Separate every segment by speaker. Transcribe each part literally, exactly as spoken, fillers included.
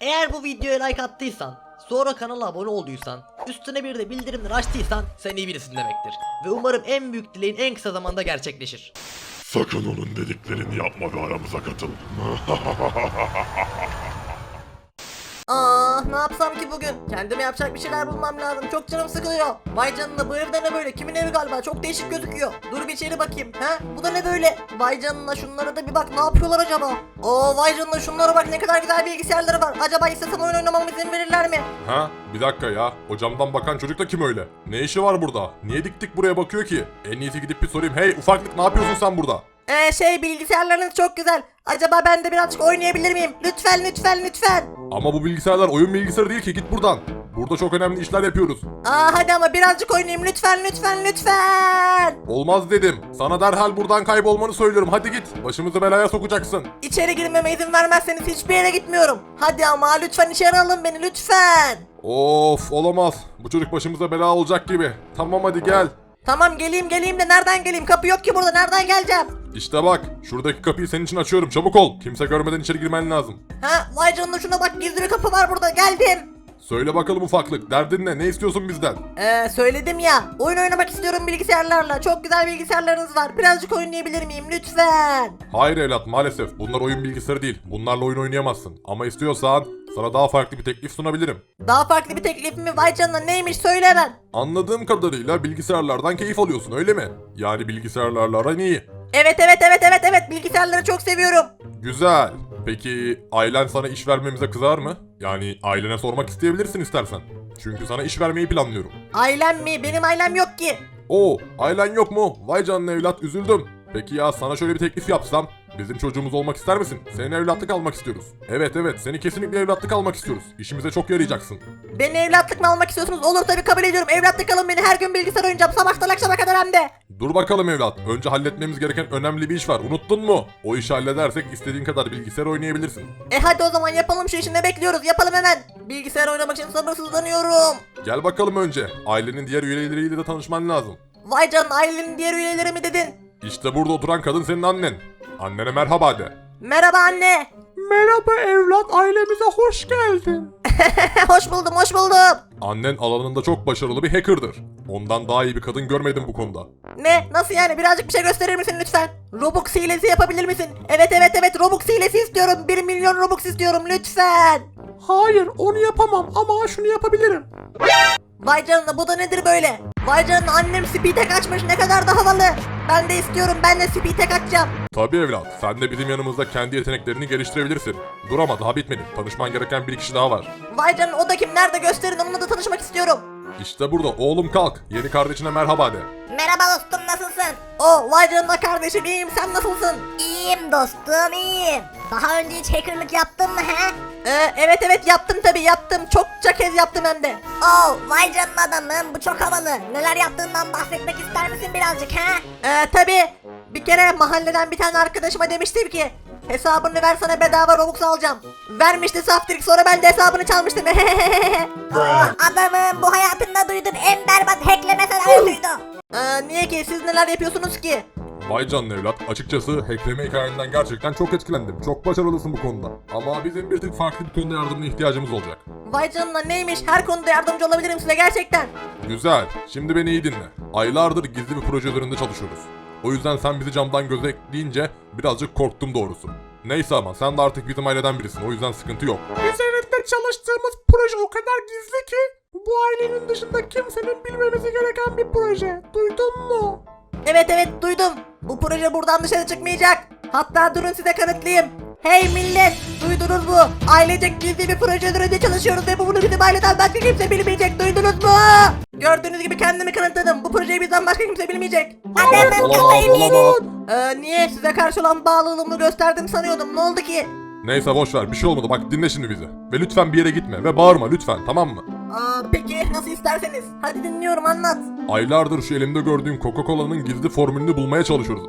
Speaker 1: Eğer bu videoya like attıysan, sonra kanala abone olduysan, üstüne bir de bildirimleri açtıysan sen iyi birisin demektir. Ve umarım en büyük dileğin en kısa zamanda gerçekleşir.
Speaker 2: Sakın onun dediklerini yapma ve aramıza katıl.
Speaker 1: Aa, ne yapsam ki bugün? Kendime yapacak bir şeyler bulmam lazım. Çok canım sıkılıyor. Vay canına, bu evde ne böyle? Kimin evi galiba? Çok değişik gözüküyor. Dur bir içeri bakayım. Ha? Bu da ne böyle? Vay canına, şunlara da bir bak. Ne yapıyorlar acaba? Oo, vay canına, şunlara bak, ne kadar güzel bilgisayarları var. Acaba istesem oyun oynamamı izin verirler mi?
Speaker 3: Ha? Bir dakika ya. O camdan bakan çocuk da kim öyle? Ne işi var burada? Niye dik dik buraya bakıyor ki? En iyisi gidip bir sorayım. Hey ufaklık, ne yapıyorsun sen burada?
Speaker 1: Ee şey, bilgisayarlarınız çok güzel. Acaba ben de birazcık oynayabilir miyim? Lütfen lütfen lütfen.
Speaker 3: Ama bu bilgisayarlar oyun bilgisayarı değil ki, git buradan. Burada çok önemli işler yapıyoruz.
Speaker 1: Aa hadi ama birazcık oynayayım, lütfen lütfen lütfen.
Speaker 3: Olmaz dedim. Sana derhal buradan kaybolmanı söylüyorum. Hadi git. Başımızı belaya sokacaksın.
Speaker 1: İçeri girmeme izin vermezseniz hiçbir yere gitmiyorum. Hadi ama lütfen içeri alın beni lütfen.
Speaker 3: Of, olamaz. Bu çocuk başımıza bela olacak gibi. Tamam hadi gel.
Speaker 1: Tamam geleyim geleyim de nereden geleyim? Kapı yok ki burada, nereden geleceğim?
Speaker 3: İşte bak, şuradaki kapıyı senin için açıyorum. Çabuk ol. Kimse görmeden içeri girmen lazım.
Speaker 1: Ha vay canına, şuna bak, gizli bir kapı var burada, geldim.
Speaker 3: Söyle bakalım ufaklık. Derdin ne? Ne istiyorsun bizden?
Speaker 1: Ee söyledim ya, oyun oynamak istiyorum bilgisayarlarla. Çok güzel bilgisayarlarınız var, birazcık oynayabilir miyim lütfen?
Speaker 3: Hayır evlat, maalesef. Bunlar oyun bilgisayarı değil. Bunlarla oyun oynayamazsın. Ama istiyorsan sana daha farklı bir teklif sunabilirim.
Speaker 1: Daha farklı bir teklif mi? Vay canına, neymiş söyle hemen.
Speaker 3: Anladığım kadarıyla bilgisayarlardan keyif alıyorsun, öyle mi? Yani bilgisayarlarla aran iyi.
Speaker 1: Evet evet evet evet evet, bilgisayarları çok seviyorum.
Speaker 3: Güzel. Peki ailen sana iş vermemize kızar mı? Yani ailene sormak isteyebilirsin istersen. Çünkü sana iş vermeyi planlıyorum.
Speaker 1: Ailem mi? Benim ailem yok ki.
Speaker 3: Oo, ailen yok mu? Vay canına evlat, üzüldüm. Peki ya sana şöyle bir teklif yapsam? Bizim çocuğumuz olmak ister misin? Senin evlatlık almak istiyoruz. Evet evet, seni kesinlikle evlatlık almak istiyoruz. İşimize çok yarayacaksın.
Speaker 1: Beni evlatlık mı almak istiyorsunuz? Olur tabii, kabul ediyorum. Evlatlık alın beni, her gün bilgisayar oynayacağım. Sabahtan akşama kadar hem de.
Speaker 3: Dur bakalım evlat. Önce halletmemiz gereken önemli bir iş var. Unuttun mu? O işi halledersek istediğin kadar bilgisayar oynayabilirsin.
Speaker 1: E hadi o zaman yapalım şu işi, ne bekliyoruz? Yapalım hemen. Bilgisayar oynamak için sabırsızlanıyorum.
Speaker 3: Gel bakalım önce. Ailenin diğer üyeleriyle de tanışman lazım.
Speaker 1: Vay canına, ailenin diğer üyeleri mi dedin?
Speaker 3: İşte burada oturan kadın senin annen. Annene merhaba de.
Speaker 1: Merhaba anne.
Speaker 3: Merhaba evlat, ailemize hoş geldin.
Speaker 1: Hoş buldum hoş buldum.
Speaker 3: Annen alanında çok başarılı bir hacker'dır. Ondan daha iyi bir kadın görmedim bu konuda.
Speaker 1: Ne? Nasıl yani? Birazcık bir şey gösterir misin lütfen? Robux hilesi yapabilir misin? Evet evet evet, Robux hilesi istiyorum. bir milyon Robux istiyorum lütfen.
Speaker 3: Hayır, onu yapamam ama şunu yapabilirim.
Speaker 1: Vay canına, bu da nedir böyle? Vay canına, annem speed'e kaçmış, ne kadar da havalı. Ben de istiyorum, ben de speed'e kaçacağım.
Speaker 3: Tabii evlat, sen de bizim yanımızda kendi yeteneklerini geliştirebilirsin. Dur ama daha bitmedi. Tanışman gereken bir kişi daha var.
Speaker 1: Vay canına, o da kim? Nerede, gösterin, onunla da tanışmak istiyorum.
Speaker 3: İşte burada. Oğlum kalk. Yeni kardeşine merhaba de.
Speaker 4: Merhaba dostum, nasılsın?
Speaker 1: O vay canına kardeşim, iyiyim, sen nasılsın?
Speaker 4: İyiyim dostum, iyiyim. Daha önce hiç hackerlık yaptın mı he?
Speaker 1: Ee, evet evet yaptım tabi, yaptım. Çokça kez yaptım hem de.
Speaker 4: Oo, vay canına adamım, bu çok havalı. Neler yaptığından bahsetmek ister misin birazcık he?
Speaker 1: Ee, tabi bir kere mahalleden bir tane arkadaşıma demiştim ki hesabını ver, sana bedava Robux alacağım. Vermişti saftirik, sonra ben de hesabını çalmıştım.
Speaker 4: Adamım, bu hayatımda duyduğum en berbat hackleme senaryosuydu.
Speaker 1: Ee, niye ki, siz neler yapıyorsunuz ki?
Speaker 3: Vay canına evlat. Açıkçası hackleme hikayenden gerçekten çok etkilendim. Çok başarılısın bu konuda. Ama bizim bir tık farklı bir konuda yardımına ihtiyacımız olacak.
Speaker 1: Vay canına, neymiş? Her konuda yardımcı olabilirim size gerçekten.
Speaker 3: Güzel. Şimdi beni iyi dinle. Aylardır gizli bir proje üzerinde çalışıyoruz. O yüzden sen bizi camdan gözetleyince birazcık korktum doğrusu. Neyse ama sen de artık bizim aileden birisin. O yüzden sıkıntı yok.
Speaker 5: Üzerinde çalıştığımız proje o kadar gizli ki bu ailenin dışında kimsenin bilmemesi gereken bir proje. Duydun mu?
Speaker 1: Evet evet duydum. Bu proje buradan dışarı çıkmayacak. Hatta durun size kanıtlayayım. Hey millet, duydunuz mu? Ailecek gizli bir proje üzerinde çalışıyoruz ve bunu bizim aileden başka kimse bilmeyecek. Duydunuz mu? Gördüğünüz gibi kendimi kanıtladım. Bu projeyi bizden başka kimse bilmeyecek.
Speaker 4: Adamım, kafayı mı yedin?
Speaker 1: Ee, niye? Size karşı olan bağlılığımı gösterdim sanıyordum. Ne oldu ki?
Speaker 3: Neyse boş ver, bir şey olmadı. Bak dinle şimdi bizi. Ve lütfen bir yere gitme ve bağırma lütfen, tamam mı?
Speaker 1: Aa, peki nasıl isterseniz. Hadi dinliyorum, anlat.
Speaker 3: Aylardır şu elimde gördüğün Coca-Cola'nın gizli formülünü bulmaya çalışıyoruz.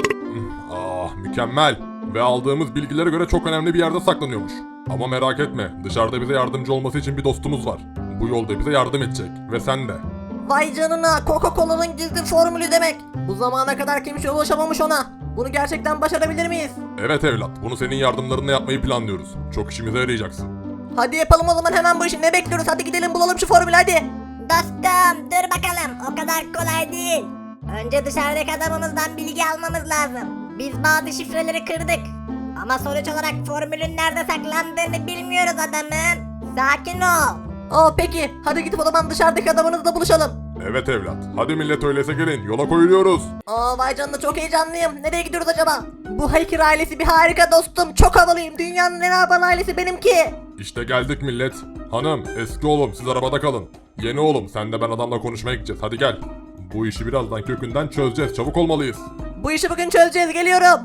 Speaker 3: Ah, mükemmel. Ve aldığımız bilgilere göre çok önemli bir yerde saklanıyormuş. Ama merak etme, dışarıda bize yardımcı olması için bir dostumuz var. Bu yolda bize yardım edecek ve sen de.
Speaker 1: Vay canına, Coca-Cola'nın gizli formülü demek. Bu zamana kadar kimse ulaşamamış ona. Bunu gerçekten başarabilir miyiz?
Speaker 3: Evet evlat, bunu senin yardımlarınla yapmayı planlıyoruz. Çok işimize yarayacaksın.
Speaker 1: Hadi yapalım o zaman hemen bu işi, ne bekliyoruz, hadi gidelim bulalım şu formülü hadi.
Speaker 4: Dostum dur bakalım, o kadar kolay değil. Önce dışarıdaki adamımızdan bilgi almamız lazım. Biz bazı şifreleri kırdık. Ama sonuç olarak formülün nerede saklandığını bilmiyoruz adamım. Sakin ol.
Speaker 1: Aa peki, hadi gidip o zaman dışarıdaki adamınızla buluşalım.
Speaker 3: Evet evlat. Hadi millet öyleyse gelin. Yola koyuluyoruz.
Speaker 1: Aa vay canına, çok heyecanlıyım. Nereye gidiyoruz acaba? Bu Hacker ailesi bir harika dostum. Çok havalıyım. Dünyanın en havalı ailesi benimki.
Speaker 3: İşte geldik millet. Hanım, eski oğlum siz arabada kalın. Yeni oğlum sen de ben adamla konuşmaya gideceğiz. Hadi gel. Bu işi birazdan kökünden çözeceğiz. Çabuk olmalıyız.
Speaker 1: Bu işi bugün çözeceğiz, geliyorum.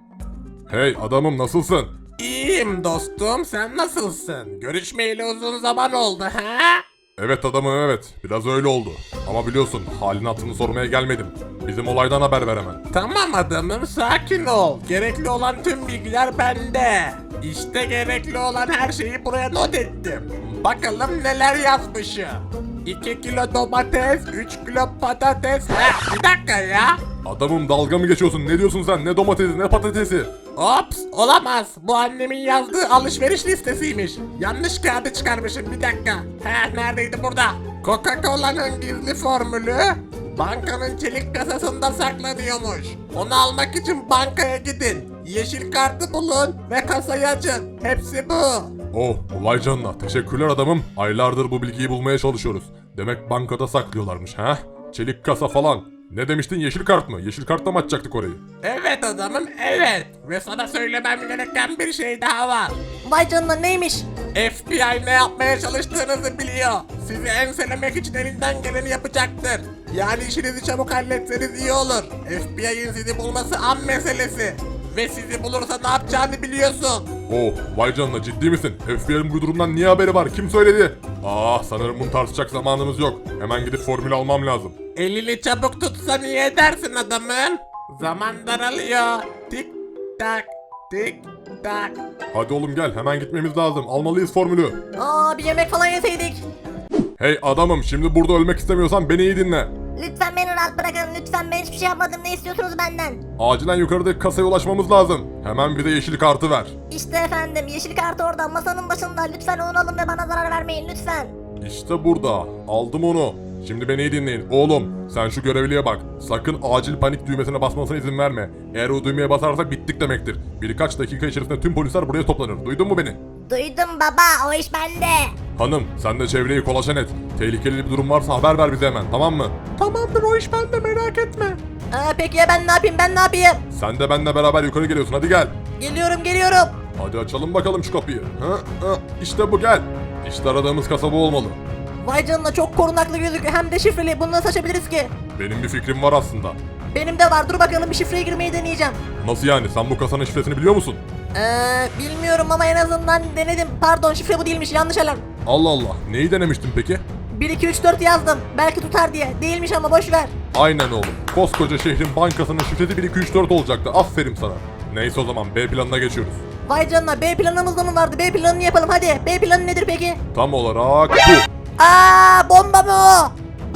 Speaker 3: Hey adamım nasılsın?
Speaker 5: İyiyim dostum, sen nasılsın? Görüşmeyeli uzun zaman oldu ha?
Speaker 3: Evet adamım evet. Biraz öyle oldu. Ama biliyorsun halini hatırını sormaya gelmedim. Bizim olaydan haber ver hemen.
Speaker 5: Tamam adamım, sakin ol. Gerekli olan tüm bilgiler bende. İşte gerekli olan her şeyi buraya not ettim. Bakalım neler yazmışım. iki kilo domates, üç kilo patates. Heh, bir dakika ya.
Speaker 3: Adamım dalga mı geçiyorsun? Ne diyorsun sen? Ne domatesi ne patatesi?
Speaker 5: Ops, olamaz. Bu annemin yazdığı alışveriş listesiymiş. Yanlış kağıdı çıkarmışım, bir dakika. He, neredeydi burada? Coca-Cola'nın gizli formülü bankanın çelik kasasında saklanıyormuş. Onu almak için bankaya gidin. Yeşil kartı bulun ve kasayı açın. Hepsi bu.
Speaker 3: Oh vay canına. Teşekkürler adamım. Aylardır bu bilgiyi bulmaya çalışıyoruz. Demek bankada saklıyorlarmış ha? Çelik kasa falan. Ne demiştin, yeşil kart mı? Yeşil kartla mı açacaktık orayı?
Speaker 5: Evet adamım, evet. Ve sana söylemem gereken bir şey daha var.
Speaker 1: Vay canına, neymiş?
Speaker 5: F B I ne yapmaya çalıştığınızı biliyor. Sizi enselemek için elinden geleni yapacaktır. Yani işinizi çabuk halletseniz iyi olur. F B I'nin sizi bulması an meselesi. Ve sizi bulursa ne yapacağını biliyorsun.
Speaker 3: Oh vay canına, ciddi misin? F B I'nin bu durumdan niye haberi var? Kim söyledi? Ah sanırım bunu tartışacak zamanımız yok. Hemen gidip formül almam lazım.
Speaker 5: Elini çabuk tutsa niye edersin adamım? Zaman daralıyor. Tik tak tik tak.
Speaker 3: Hadi oğlum gel, hemen gitmemiz lazım. Almalıyız formülü.
Speaker 1: Aa bir yemek falan yeseydik.
Speaker 3: Hey adamım, şimdi burada ölmek istemiyorsan beni iyi dinle.
Speaker 4: Lütfen beni rahat bırakın, lütfen, ben hiçbir şey yapmadım, ne istiyorsunuz benden?
Speaker 3: Acilen yukarıdaki kasaya ulaşmamız lazım. Hemen bize yeşil kartı ver.
Speaker 4: İşte efendim, yeşil kart orada masanın başında, lütfen onu alın ve bana zarar vermeyin lütfen.
Speaker 3: İşte burada. Aldım onu. Şimdi beni iyi dinleyin. Oğlum sen şu görevliye bak. Sakın acil panik düğmesine basmasına izin verme. Eğer o düğmeye basarsak bittik demektir. Birkaç dakika içerisinde tüm polisler buraya toplanır. Duydun mu beni?
Speaker 4: Duydum baba, o iş bende.
Speaker 3: Hanım sen de çevreyi kolaçan et. Tehlikeli bir durum varsa haber ver bize hemen, tamam mı?
Speaker 5: Tamamdır, o iş bende, merak etme.
Speaker 1: Aa peki ya ben ne yapayım, ben ne yapayım?
Speaker 3: Sen de benimle beraber yukarı geliyorsun, hadi gel.
Speaker 1: Geliyorum geliyorum.
Speaker 3: Hadi açalım bakalım şu kapıyı. Ha, ha, işte bu, gel. İşte aradığımız kasa bu olmalı.
Speaker 1: Vay canına, çok korunaklı gözüküyor, hem de şifreli. Bunu nasıl açabiliriz ki?
Speaker 3: Benim bir fikrim var aslında.
Speaker 1: Benim de var, dur bakalım bir şifreye girmeyi deneyeceğim.
Speaker 3: Nasıl yani, sen bu kasanın şifresini biliyor musun?
Speaker 1: Eee bilmiyorum ama en azından denedim. Pardon, şifre bu değilmiş, yanlış alarm.
Speaker 3: Allah Allah, neyi denemiştin peki?
Speaker 1: bir iki üç dört yazdım. Belki tutar diye. Değilmiş ama boş ver.
Speaker 3: Aynen oğlum. Koskoca şehrin bankasının şifresi bir iki üç dört olacaktı. Aferin sana. Neyse o zaman B planına geçiyoruz.
Speaker 1: Vay canına, B planımız da mı vardı? B planını yapalım hadi. B planı nedir peki?
Speaker 3: Tam olarak bu.
Speaker 1: Aa bomba mı o?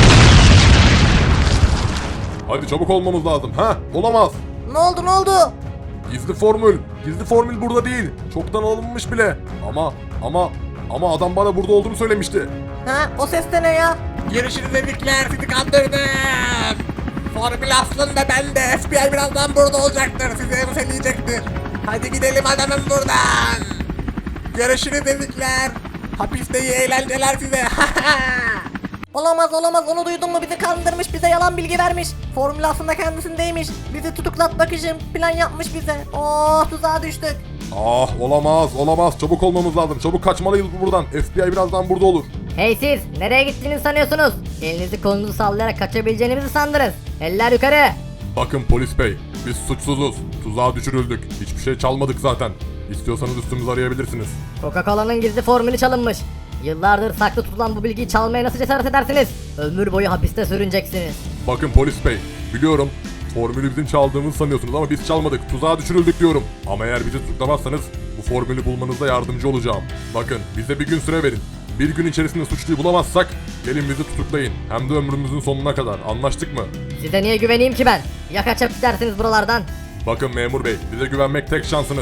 Speaker 3: Hadi çabuk olmamız lazım. Ha? Olamaz.
Speaker 1: Ne oldu ne oldu?
Speaker 3: Gizli formül. Gizli formül burada değil. Çoktan alınmış bile. Ama ama ama adam bana burada olduğunu söylemişti.
Speaker 1: Ha o ses de ne ya?
Speaker 5: Görüşürüz dedikler, sizi kandırdım. Formül aslında bende. F B I birazdan burada olacaktır. Sizi enseleyecektir. Hadi gidelim adamım buradan. Görüşürüz dedikler. Hapiste iyi eğlenceler size.
Speaker 1: Olamaz olamaz, onu duydun mu? Bizi kandırmış, bize yalan bilgi vermiş. Formül aslında kendisindeymiş. Bizi tutuklatmak için plan yapmış bize. Oh, tuzağa düştük.
Speaker 3: Ah olamaz olamaz. Çabuk olmamız lazım. Çabuk kaçmalıyız buradan. F B I birazdan burada olur.
Speaker 6: Hey siz, nereye gittiğini sanıyorsunuz? Elinizi kolunuzu sallayarak kaçabileceğinizi sandınız. Eller yukarı.
Speaker 3: Bakın polis bey. Biz suçsuzuz. Tuzağa düşürüldük. Hiçbir şey çalmadık zaten. İstiyorsanız üstümüzü arayabilirsiniz.
Speaker 6: Coca-Cola'nın gizli formülü çalınmış. Yıllardır saklı tutulan bu bilgiyi çalmaya nasıl cesaret edersiniz? Ömür boyu hapiste sürüneceksiniz.
Speaker 3: Bakın polis bey, biliyorum formülü bizim çaldığımızı sanıyorsunuz ama biz çalmadık, tuzağa düşürüldük diyorum. Ama eğer bizi tutuklamazsanız bu formülü bulmanızda yardımcı olacağım. Bakın bize bir gün süre verin. Bir gün içerisinde suçluyu bulamazsak gelin bizi tutuklayın. Hem de ömrümüzün sonuna kadar. Anlaştık mı?
Speaker 6: Size niye güveneyim ki ben? Ya kaçıp gidersiniz buralardan?
Speaker 3: Bakın memur bey, bize güvenmek tek şansınız.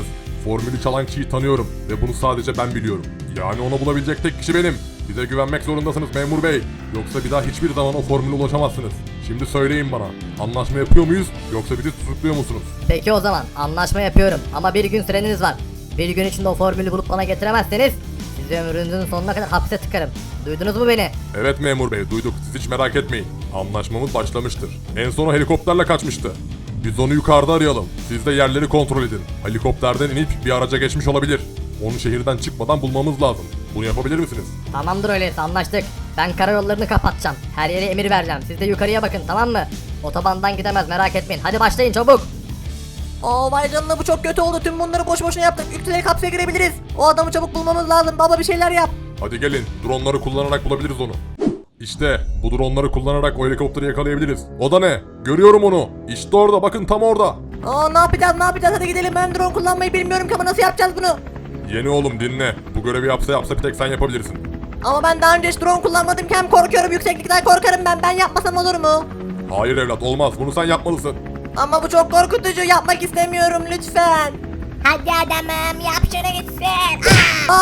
Speaker 3: Formülü çalan kişiyi tanıyorum ve bunu sadece ben biliyorum. Yani onu bulabilecek tek kişi benim. Bize güvenmek zorundasınız memur bey. Yoksa bir daha hiçbir zaman o formüle ulaşamazsınız. Şimdi söyleyin bana. Anlaşma yapıyor muyuz yoksa bizi tutukluyor musunuz?
Speaker 6: Peki o zaman anlaşma yapıyorum ama bir gün süreniz var. Bir gün içinde o formülü bulup bana getiremezseniz sizi ömrünüzün sonuna kadar hapse tıkarım. Duydunuz mu beni?
Speaker 3: Evet memur bey duyduk. Siz hiç merak etmeyin. Anlaşmamız başlamıştır. En son o helikopterle kaçmıştı. Biz onu yukarıda arayalım. Siz de yerleri kontrol edin. Helikopterden inip bir araca geçmiş olabilir. Onu şehirden çıkmadan bulmamız lazım. Bunu yapabilir misiniz?
Speaker 6: Tamamdır öyleyse anlaştık. Ben karayollarını kapatacağım. Her yere emir vereceğim. Siz de yukarıya bakın tamam mı? Otobandan gidemez merak etmeyin. Hadi başlayın çabuk.
Speaker 1: Aa vay canına bu çok kötü oldu. Tüm bunları boş boşuna yaptık. Yükselerek hapse girebiliriz. O adamı çabuk bulmamız lazım. Baba bir şeyler yap.
Speaker 3: Hadi gelin. Dronları kullanarak bulabiliriz onu. İşte bu dronları kullanarak o helikopteri yakalayabiliriz. O da ne? Görüyorum onu. İşte orada bakın tam orada.
Speaker 1: Aa ne yapacağız ne yapacağız hadi gidelim. Ben drone kullanmayı bilmiyorum ki ama nasıl yapacağız bunu?
Speaker 3: Yeni oğlum dinle. Bu görevi yapsa yapsa bir tek sen yapabilirsin.
Speaker 1: Ama ben daha önce hiç drone kullanmadım ki hem korkuyorum yükseklikten korkarım ben. Ben yapmasam olur mu?
Speaker 3: Hayır evlat olmaz. Bunu sen yapmalısın.
Speaker 1: Ama bu çok korkutucu yapmak istemiyorum lütfen.
Speaker 4: Hadi adamım yap şunu gitsin.
Speaker 1: Aa!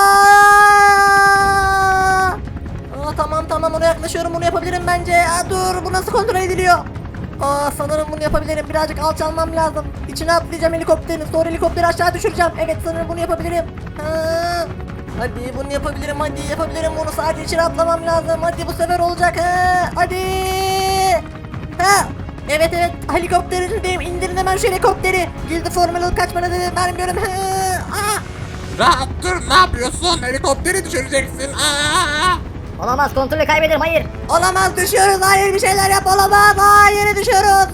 Speaker 1: Aa, tamam tamam ona yaklaşıyorum bunu yapabilirim bence. Aa, dur bu nasıl kontrol ediliyor? Aa sanırım bunu yapabilirim birazcık alçalmam lazım. İçine atlayacağım helikopterin sonra helikopteri aşağı düşüreceğim. Evet sanırım bunu yapabilirim. Ha. Hadi bunu yapabilirim hadi yapabilirim bunu sadece içine atlamam lazım. Hadi bu sefer olacak ha. Hadi. Ha. Evet evet helikopterin içindeyim indirin hemen şu helikopteri. Gildi formülü kaçmana dedim vermiyorum. Ha. Aa.
Speaker 5: Rahat dur, ne yapıyorsun? Helikopteri düşüreceksin. Aa!
Speaker 6: Olamaz kontrolü kaybederim hayır.
Speaker 1: Olamaz düşüyoruz hayır bir şeyler yap olamaz hayır düşüyoruz.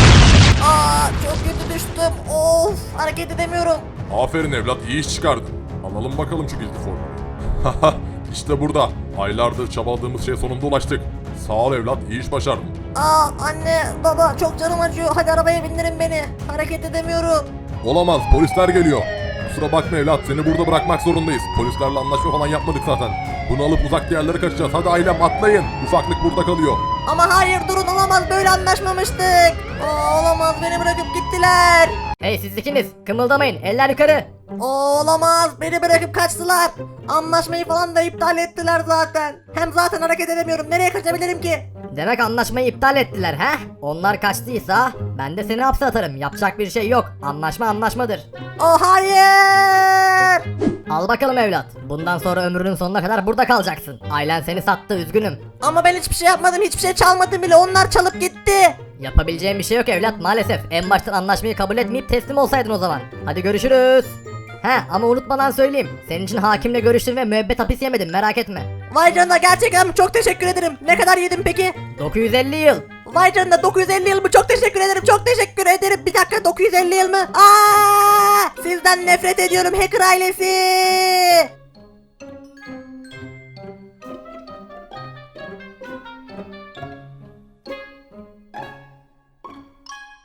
Speaker 1: Aa çok kötü düştüm of hareket edemiyorum.
Speaker 3: Aferin evlat iyi iş çıkardın. Alalım bakalım şu gizli formülü. Haha işte burada. Aylardır çabaladığımız şeye sonunda ulaştık. Sağ ol evlat iyi iş başardın.
Speaker 1: Aa anne baba çok canım acıyor hadi arabaya bindirin beni hareket edemiyorum.
Speaker 3: Olamaz polisler geliyor. Kusura bakma evlat seni burada bırakmak zorundayız. Polislerle anlaşma falan yapmadık zaten. Bunu alıp uzak yerlere kaçacağız. Hadi ailem atlayın. Ufaklık burada kalıyor.
Speaker 1: Ama hayır durun olamaz böyle anlaşmamıştık. Aa, olamaz beni bırakıp gittiler.
Speaker 6: Hey siz ikiniz kımıldamayın eller yukarı.
Speaker 1: Aa, olamaz beni bırakıp kaçtılar. Anlaşmayı falan da iptal ettiler zaten. Hem zaten hareket edemiyorum nereye kaçabilirim ki?
Speaker 6: Demek anlaşmayı iptal ettiler he? Onlar kaçtıysa ben de seni hapse atarım. Yapacak bir şey yok. Anlaşma anlaşmadır.
Speaker 1: Oh hayır.
Speaker 6: Al bakalım evlat. Bundan sonra ömrünün sonuna kadar burada kalacaksın. Ailen seni sattı üzgünüm.
Speaker 1: Ama ben hiçbir şey yapmadım hiçbir şey çalmadım bile onlar çalıp gitti.
Speaker 6: Yapabileceğim bir şey yok evlat maalesef. En baştan anlaşmayı kabul etmeyip teslim olsaydın o zaman. Hadi görüşürüz. He ama unutmadan söyleyeyim. Senin için hakimle görüştüm ve müebbet hapis yemedim merak etme.
Speaker 1: Vay canına gerçekten çok teşekkür ederim. Ne kadar yedim peki?
Speaker 6: dokuz yüz elli yıl.
Speaker 1: Vay canına dokuz yüz elli yıl mı? Çok teşekkür ederim. Çok teşekkür ederim. Bir dakika dokuz yüz elli yıl mı? Aa! Sizden nefret ediyorum hacker ailesi.